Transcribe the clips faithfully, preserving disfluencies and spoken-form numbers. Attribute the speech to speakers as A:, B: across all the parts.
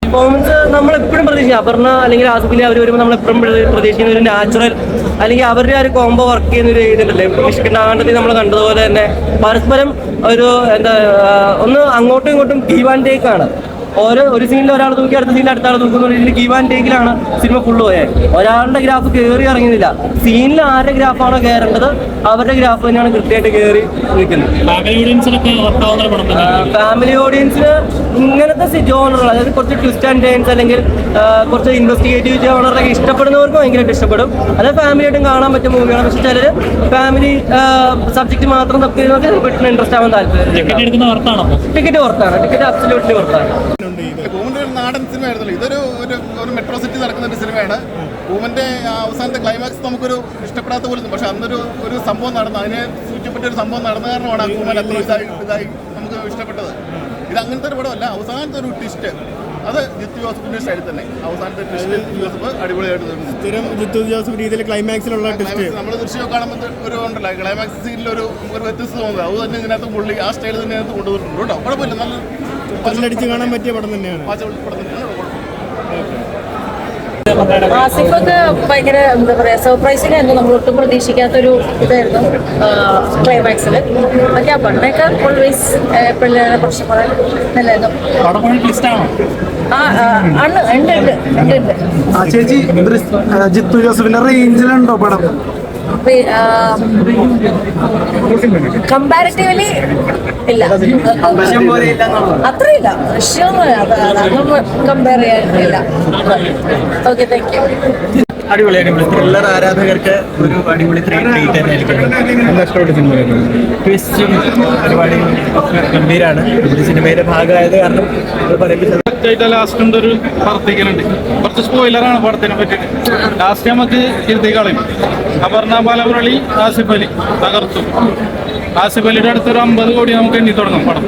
A: Performance നമ്മളെപ്പോഴും പ്രതീക്ഷിക്കും. അപർണ അല്ലെങ്കിൽ ആസിഫലി അവർ വരുമ്പോൾ നമ്മളെപ്പോഴും പ്രതീക്ഷിക്കുന്ന ഒരു നാച്ചുറൽ അല്ലെങ്കിൽ അവരുടെ ആ ഒരു കോംബോ വർക്ക് ചെയ്യുന്ന ഒരു ഇതുണ്ടല്ലേ. ഇഷ്കണ്ടാണ്ടത്തിൽ നമ്മൾ കണ്ടതുപോലെ തന്നെ പരസ്പരം ഒരു എന്താ ഒന്ന് അങ്ങോട്ടും ഇങ്ങോട്ടും ഗീവ് ആൻഡ് ടേക്ക് ആണ്. ഓരോ ഒരു സീനിൽ ഒരാൾ തൂക്കി അടുത്ത സീനിൽ അടുത്ത ആൾ തൂക്കുന്ന രീതിയിൽ ഗീവ് ആൻഡ് ടേക്കിലാണ് സിനിമ ഫുള്ള് പോയത്. ഒരാളുടെ ഗ്രാഫ് കയറി ഇറങ്ങുന്നില്ല. സീനിൽ ആരുടെ ഗ്രാഫാണോ കയറേണ്ടത് അവരുടെ ഗ്രാഫ് തന്നെയാണ് കൃത്യമായിട്ട് കയറി നിൽക്കുന്നത്. ഫാമിലി ഓഡിയൻസിന് ഇങ്ങനത്തെ ജോണറുകൾ, അതായത് കുറച്ച് ട്വിസ്റ്റ് ആൻഡ് ടേൺസ് അല്ലെങ്കിൽ കുറച്ച് ഇൻവെസ്റ്റിഗേറ്റീവ് ജോണറൊക്കെ ഇഷ്ടപ്പെടുന്നവർക്ക് ഭയങ്കരമായിട്ട് ഇഷ്ടപ്പെടും. അത് ഫാമിലിയായിട്ടും കാണാൻ പറ്റിയ മൂവിയാണ്. പക്ഷെ ചിലർ ഫാമിലി സബ്ജക്ട് മാത്രം തപ്പിയിരുന്നൊക്കെ പെട്ടെന്ന് ഇൻട്രസ്റ്റ് ആവാൻ താല്പര്യം. ടിക്കറ്റ് പുറത്താണ്. ടിക്കറ്റ് അബ്സല്യൂട്ട്ലി പുറത്താണ്.
B: പൂമന്റെ ഒരു നാടൻ സിനിമയായിരുന്നല്ലോ. ഇതൊരു ഒരു ഒരു മെട്രോ സിറ്റി നടക്കുന്ന ഒരു സിനിമയാണ്. പൂമന്റെ അവസാനത്തെ ക്ലൈമാക്സ് നമുക്കൊരു ഇഷ്ടപ്പെടാത്ത പോലും, പക്ഷെ അന്നൊരു ഒരു സംഭവം നടന്നു, അതിനെ ചുറ്റപ്പെട്ട ഒരു സംഭവം നടന്ന കാരണമാണ് ആ പൂമൻ അത്ര ഇതായി ഇതായി നമുക്ക് ഇഷ്ടപ്പെട്ടത്. ഇത് അങ്ങനത്തെ ഒരു പടമല്ല. അവസാനത്തെ ഒരു ട്വിസ്റ്റ് അത് ജിത്തു ജോസഫിന്റെ സ്റ്റൈലിൽ തന്നെ അവസാനത്തെ ട്വിസ്റ്റ് ജിത്തു ജോസഫ് അടിപൊളിയായിട്ട് സ്ഥിരം ജിത്തു ജോസഫ് രീതിയിൽ ക്ലൈമാക്സിലുള്ള ട്വിസ്റ്റ് നമ്മൾ ദൃശ്യം കാണുമ്പോൾ ഒരു ഉണ്ടല്ലോ ക്ലൈമാക്സ് സീനിൽ ഒരു ഒരു വ്യത്യസ്ത തോന്നുന്നത്. അത് തന്നെ ഇതിനകത്ത് പുള്ളി ആ സ്റ്റൈൽ തന്നെ അതിനകത്ത് കൊണ്ടുവന്നിട്ടുണ്ട് കേട്ടോ. കുഴപ്പമില്ല, നല്ല അടിച്ച് കാണാൻ പറ്റിയ പടം തന്നെയാണ്.
C: ആസിഫൊക്കെ ഭയങ്കര എന്താ പറയാ സർപ്രൈസിംഗ് ആയിരുന്നു. നമ്മൾ ഒട്ടും പ്രതീക്ഷിക്കാത്തൊരു ഇതായിരുന്നു ക്ലൈമാക്സില്. പക്ഷെ ആ പണ്ടൊക്കെ ഓൾവേസ് എപ്പോഴും പ്രശ്നം പറയാൻ നല്ലായിരുന്നു. ആ ആണ് ഉണ്ട് ഉണ്ട് ഉണ്ട് ഉണ്ട്
D: ചേച്ചി ജിത്തു ജോസഫിന്റെ റേഞ്ചിലുണ്ടോ പടം?
C: കമ്പാരിറ്റീവ്ലി ഇല്ല, അത്രയില്ല. ദൃശ്യമൊന്നും കമ്പയർ ചെയ്യാനില്ല. Okay, thank you.
E: അടിപൊളി അടിപൊളി ത്രില്ലർ ആരാധകർക്ക് ഒരു അടിപൊളി ട്രീറ്റ് തന്നെയായിരിക്കും. ട്വിസ്റ്റും ഒരുപാട് ഗംഭീരമാണ്. ഒരു സിനിമയുടെ ഭാഗമായത് കാരണം
F: ലാസ്റ്റ് ഒരു പ്രവർത്തിക്കലുണ്ട്. കുറച്ച് സ്പോയിലറാണ് പടത്തിനെ പറ്റിയിട്ട്. ലാസ്റ്റ് നമുക്ക് ഇരുത്തി കളയും. അപർണ ബാലമുരളി, ആസിഫ് അലി തകർത്തു. ആസിഫ് അലിയുടെ അടുത്തൊരു അമ്പത് കോടി നമുക്ക് എണ്ണി തുടങ്ങും പടം.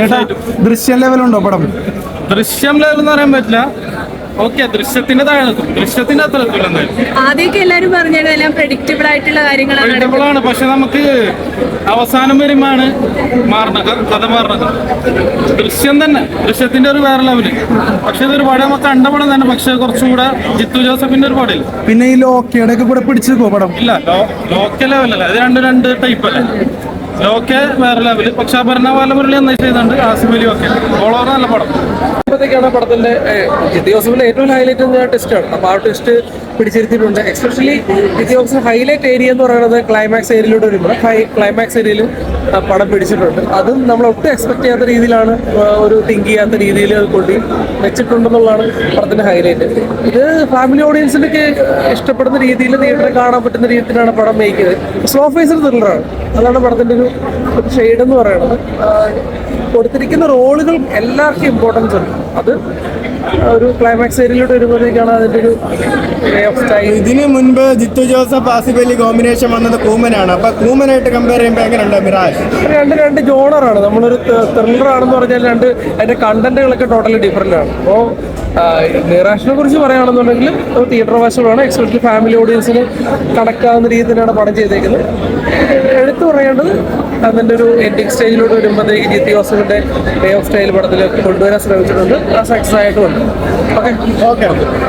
D: ദൃശ്യം ലെവലുണ്ടോ പടം?
F: ദൃശ്യം ലെവൽ എന്ന് പറയാൻ പറ്റില്ല. ഓക്കെ, ദൃശ്യത്തിന്റെ താഴെ നിൽക്കും. ദൃശ്യത്തിന്റെ അത്ര എത്തില്ല. എന്തായാലും
C: ആദ്യമൊക്കെ എല്ലാവരും പറഞ്ഞത് എല്ലാം പ്രഡിക്റ്റബിൾ ആയിട്ടുള്ള കാര്യങ്ങളാണ്.
F: പ്രഡിക്റ്റബിൾ ആണ്, പക്ഷെ നമുക്ക് അവസാനം വരുമ്പോഴാണ് മാറണത്, കഥ മാറണത്. ദൃശ്യം തന്നെ ദൃശ്യത്തിന്റെ ഒരു വേറെ ലെവല്. പക്ഷെ ഇതൊരു പടം നമുക്ക് കണ്ട പടം തന്നെ, പക്ഷെ കുറച്ചുകൂടെ ജിത്തു ജോസഫിന്റെ ഒരു പടം.
D: പിന്നെ ഈ ലോക്കയുടെ ഒക്കെ കൂടെ പിടിച്ചു പടം ഇല്ല.
F: ലോക്കൽ ലെവലല്ല, ഇത് രണ്ട് രണ്ട് ടൈപ്പ് അല്ലേ. ലോക്കെ വേറെ ലെവല്, പക്ഷെ അപർണ ബാലമുരളി എന്നായി ചെയ്തുണ്ട്. ആസിഫ് അലി ഒക്കെ ഓൾ ഓവർ നല്ല പടം.
G: ാണ് പടത്തിന്റെ ജിത്തു ജോസഫിന്റെ ഏറ്റവും ഹൈലൈറ്റ് ടെസ്റ്റാണ്. അപ്പോൾ ആ ടെസ്റ്റ് പിടിച്ചിരുത്തിയിട്ടുണ്ട്. Especially Jeethu Joseph highlight area എന്ന് പറയുന്നത് ക്ലൈമാക്സ് ഏരിയയിലൂടെ വരുമ്പോൾ ഹൈ ക്ലൈമാക്സ് ഏരിയയിൽ പടം പിടിച്ചിട്ടുണ്ട്. അതും നമ്മൾ ഒട്ടും എക്സ്പെക്ട് ചെയ്യാത്ത രീതിയിലാണ്, ഒരു തിങ്ക് ചെയ്യാത്ത രീതിയിൽ അത് കൊണ്ടി വെച്ചിട്ടുണ്ടെന്നുള്ളതാണ് പടത്തിന്റെ ഹൈലൈറ്റ്. ഇത് ഫാമിലി ഓഡിയൻസിനൊക്കെ ഇഷ്ടപ്പെടുന്ന രീതിയിൽ തിയേറ്ററിൽ കാണാൻ പറ്റുന്ന രീതിയിലാണ് പടം മേക്ക് ചെയ്തത്. സ്ലോ ഫേസിൽ ത്രില്ലറാണ്. അതാണ് പടത്തിന്റെ ഒരു ഷെയ്ഡ് എന്ന് പറയുന്നത്. കൊടുത്തിരിക്കുന്ന റോളുകൾ എല്ലാവർക്കും ഇമ്പോർട്ടൻസ് ഉണ്ട്. അത് ഒരു ക്ലൈമാക്സ് ഏരിയയിലോട്ട് വരുമ്പോഴത്തേക്കാണ് അതിന്റെ ഒരു വേ ഓഫ് സ്റ്റൈൽ.
D: ഇതിന് മുൻപ് ജിത്തു ജോസഫ് ആസിഫ് അലി കോമ്പിനേഷൻ വന്നത് കൂമനാണ്. അപ്പൊ കൂമനായിട്ട് കമ്പയർ ചെയ്യുമ്പോൾ എങ്ങനെയുണ്ട് മിറാജ്?
G: രണ്ട് രണ്ട് ജോണറാണ്. നമ്മളൊരു ത്രില്ലർ ആണെന്ന് പറഞ്ഞാൽ രണ്ട് അതിന്റെ കണ്ടന്റുകളൊക്കെ ടോട്ടലി ഡിഫറെന്റ് ആണ്. അപ്പോൾ മിറാഷിനെ കുറിച്ച് പറയുകയാണെന്നുണ്ടെങ്കിൽ തിയേറ്റർ വാശമാണ്. എക്സ്പെഷ്യലി ഫാമിലി ഓഡിയൻസിന് കണക്കാവുന്ന രീതിയിൽ തന്നെയാണ് പടം ചെയ്തേക്കുന്നത്. എടുത്തു പറയേണ്ടത് അതിൻ്റെ ഒരു എൻഡിങ് സ്റ്റേജിലോട്ട് വരുമ്പോഴത്തേക്ക് ജിത്തു ജോസഫിന്റെ വേ ഓഫ് സ്റ്റൈൽ പടത്തിൽ കൊണ്ടുവരാൻ ശ്രമിച്ചിട്ടുണ്ട്. ആ സക്സസ് ആയിട്ടുമുണ്ട്. Okay okay